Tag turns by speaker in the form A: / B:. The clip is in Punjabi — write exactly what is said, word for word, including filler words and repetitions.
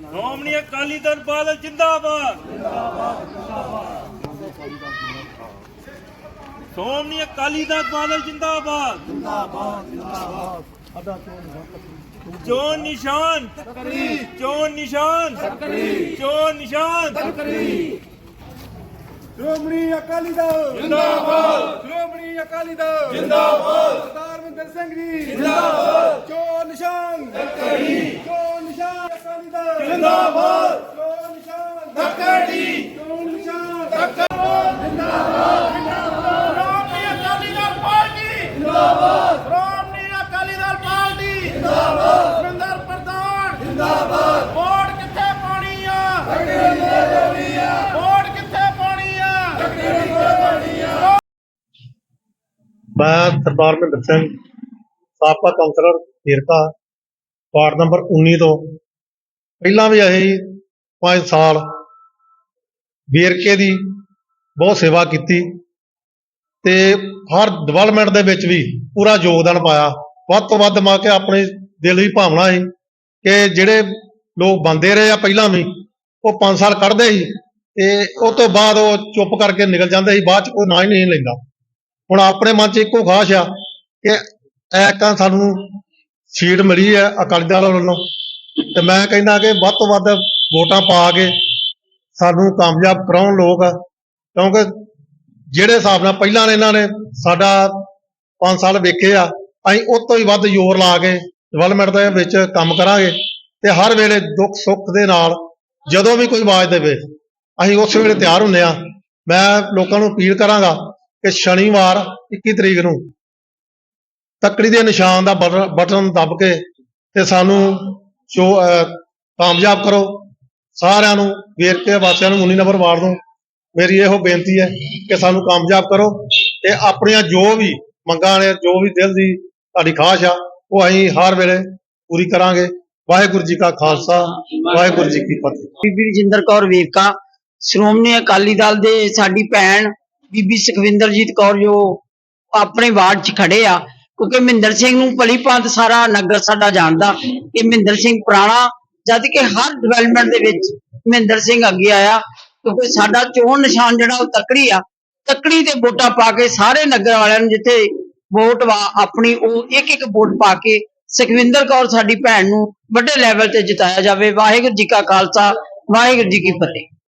A: ਸ਼੍ਰੋਮਣੀ ਅਕਾਲੀ ਦਲ ਬਾਦਲ ਜਿੰਦਾਬਾਦ। ਸ਼੍ਰੋਮਣੀ ਅਕਾਲੀ ਦਲ ਬਾਦਲ ਜਿੰਦਾਬਾਦ। ਚੋਣ ਨਿਸ਼ਾਨ ਚੋਣ ਨਿਸ਼ਾਨ ਚੋਣ ਨਿਸ਼ਾਨ।
B: ਸ਼੍ਰੋਮਣੀ ਅਕਾਲੀ ਦਲ
A: ਜਿੰਦਾਬਾਦ।
B: ਸ਼੍ਰੋਮਣੀ ਅਕਾਲੀ ਦਲ
A: ਜਿੰਦਾਬਾਦ।
B: ਸਰਦਾਰ ਮਹਿੰਦਰ ਸਿੰਘ ਜੀ ਜਿੰਦਾਬਾਦ। ਚੋਣ ਨਿਸ਼ਾਨ ਚੋਣ ਨਿਸ਼ਾਨ ਅਕਾਲੀ ਦਲ
A: ਜਿੰਦਾਬਾਦ।
B: ਚੋਣ ਨਿਸ਼ਾਨ
A: ਧੱਕੜੀ
B: ਚੋਣ ਨਿਸ਼ਾਨ
A: ਜਿੰਦਾਬਾਦ।
B: ਸ਼੍ਰੋਮਣੀ ਅਕਾਲੀ ਦਲ ਪਾਰਟੀ
A: ਜਿੰਦਾਬਾਦ।
B: ਸ਼੍ਰੋਮਣੀ ਅਕਾਲੀ ਦਲ ਪਾਰਟੀ
A: ਜਿੰਦਾਬਾਦ।
B: ਸੁਰਿੰਦਰ ਪ੍ਰਧਾਨ
A: ਜਿੰਦਾਬਾਦ।
B: ਵੋਟ ਕਿੱਥੇ ਪਾਉਣੀ ਆ ਵੋਟ ਕਿੱਥੇ ਪਾਉਣੀ ਆ
C: ਮੈਂ ਸਰਦਾਰ ਮਹਿੰਦਰ ਸਿੰਘ ਸਾਬਕਾ ਕਾਉਂਸਲਰ ਵੇਰਕਾ ਵਾਰਡ ਨੰਬਰ ਉੱਨੀ ਤੋਂ ਪਹਿਲਾਂ ਵੀ ਅਸੀਂ ਪੰਜ ਸਾਲ ਵੇਰਕੇ ਦੀ ਬਹੁਤ ਸੇਵਾ ਕੀਤੀ ਤੇ ਹਰ ਡਿਵੈਲਪਮੈਂਟ ਦੇ ਵਿੱਚ ਵੀ ਪੂਰਾ ਯੋਗਦਾਨ ਪਾਇਆ। ਵੱਧ ਤੋਂ ਵੱਧ ਮਾ ਕੇ ਆਪਣੇ ਦਿਲ ਦੀ ਭਾਵਨਾ ਸੀ ਕਿ ਜਿਹੜੇ ਲੋਕ ਬੰਦੇ ਰਹੇ ਆ ਪਹਿਲਾਂ ਵੀ ਉਹ ਪੰਜ ਸਾਲ ਕੱਢਦੇ ਸੀ ਤੇ ਉਸ ਤੋਂ ਬਾਅਦ ਉਹ ਚੁੱਪ ਕਰਕੇ ਨਿਕਲ ਜਾਂਦੇ ਸੀ, ਬਾਅਦ ਚ ਕੋਈ ਨਾਂ ਹੀ ਨਹੀਂ ਲੈਂਦਾ। ਹੁਣ ਆਪਣੇ ਮਨ ਚ ਇੱਕੋ ਖਾਸ਼ ਆ ਕਿ ਐਕਾਂ ਸਾਨੂੰ ਸੀਟ ਮਿਲੀ ਹੈ ਅਕਾਲੀ ਦਲ ਵੱਲੋਂ ਤੇ ਮੈਂ ਕਹਿੰਦਾ ਕਿ ਵੱਧ ਤੋਂ ਵੱਧ ਵੋਟਾਂ ਪਾ ਕੇ ਸਾਨੂੰ ਕਾਮਯਾਬ ਕਰਾਉਣ ਲੋਕ, ਕਿਉਂਕਿ ਜਿਹੜੇ ਹਿਸਾਬ ਨਾਲ ਪਹਿਲਾਂ ਇਹਨਾਂ ਨੇ ਸਾਡਾ ਪੰਜ ਸਾਲ ਵੇਖੇ ਆ, ਅਸੀਂ ਉਸ ਤੋਂ ਹੀ ਵੱਧ ਜ਼ੋਰ ਲਾ ਕੇ ਡਿਵੈਲਪਮੈਂਟ ਦੇ ਵਿੱਚ ਕੰਮ ਕਰਾਂਗੇ ਤੇ ਹਰ ਵੇਲੇ ਦੁੱਖ ਸੁੱਖ ਦੇ ਨਾਲ ਜਦੋਂ ਵੀ ਕੋਈ ਆਵਾਜ਼ ਦੇਵੇ ਅਸੀਂ ਉਸ ਵੇਲੇ ਤਿਆਰ ਹੁੰਦੇ ਆ। ਮੈਂ ਲੋਕਾਂ ਨੂੰ ਅਪੀਲ ਕਰਾਂਗਾ ਕਿ ਸ਼ਨੀਵਾਰ ਇੱਕੀ ਤਰੀਕ ਨੂੰ ਤੱਕੜੀ ਦੇ ਨਿਸ਼ਾਨ ਦਾ ਬਟਨ ਦੱਬ ਕੇ ਤੇ ਸਾਨੂੰ ਜੋ ਕਾਮਯਾਬ ਕਰੋ। ਸਾਰਿਆਂ ਨੂੰ ਵੇਰਕੇ ਵਾਸੀਆਂ ਨੂੰ ਉੱਨੀ ਨੰਬਰ ਵਾਰਡ ਨੂੰ ਮੇਰੀ ਇਹੋ ਬੇਨਤੀ ਹੈ ਕਿ ਸਾਨੂੰ ਕਾਮਯਾਬ ਕਰੋ ਤੇ ਆਪਣੀਆਂ ਜੋ ਵੀ ਮੰਗਾਂ ਨੇ, ਜੋ ਵੀ ਦਿਲ ਦੀ ਤੁਹਾਡੀ ਖਾਸ਼ ਆ, ਉਹ ਅਸੀਂ ਹਰ ਵੇਲੇ ਪੂਰੀ ਕਰਾਂਗੇ। ਵਾਹਿਗੁਰੂ ਜੀ ਕਾ ਖਾਲਸਾ, ਵਾਹਿਗੁਰੂ ਜੀ ਕੀ ਫਤਿਹ।
D: ਬੀਬੀ ਰਜਿੰਦਰ ਕੌਰ ਵੇਰਕਾ ਸ਼੍ਰੋਮਣੀ ਅਕਾਲੀ ਦਲ ਦੇ ਸਾਡੀ ਭੈਣ ਬੀਬੀ ਸੁਖਵਿੰਦਰਜੀਤ ਕੌਰ ਜੋ ਆਪਣੇ ਵਾਰਡ 'ਚ ਖੜੇ ਆ, ਕਿਉਂਕਿ ਮਹਿੰਦਰ ਸਿੰਘ ਨੂੰ ਭਲੀ ਭਾਂਤ ਸਾਰਾ ਨਗਰ ਸਾਡਾ ਜਾਣਦਾ ਕਿ ਮਹਿੰਦਰ ਸਿੰਘ ਪੁਰਾਣਾ, ਜਦ ਕਿ ਹਰ ਡਿਵੈਲਪਮੈਂਟ ਦੇ ਵਿੱਚ ਮਹਿੰਦਰ ਸਿੰਘ ਅੱਗੇ ਆਇਆ। ਕਿਉਂਕਿ ਸਾਡਾ ਚੋਣ ਨਿਸ਼ਾਨ ਜਿਹੜਾ ਉਹ ਤੱਕੜੀ ਆ, ਤੱਕੜੀ ਤੇ ਵੋਟਾਂ ਪਾ ਕੇ ਸਾਰੇ ਨਗਰ ਵਾਲਿਆਂ ਨੂੰ ਜਿੱਥੇ ਵੋਟ ਵਾ ਆਪਣੀ ਉਹ ਇੱਕ ਇੱਕ ਵੋਟ ਪਾ ਕੇ ਸੁਖਵਿੰਦਰ ਕੌਰ ਸਾਡੀ ਭੈਣ ਨੂੰ ਵੱਡੇ ਲੈਵਲ ਤੇ ਜਿਤਾਇਆ ਜਾਵੇ। ਵਾਹਿਗੁਰੂ ਜੀ ਕਾ ਖਾਲਸਾ, ਵਾਹਿਗੁਰੂ ਜੀ ਕੀ ਫਤਿਹ।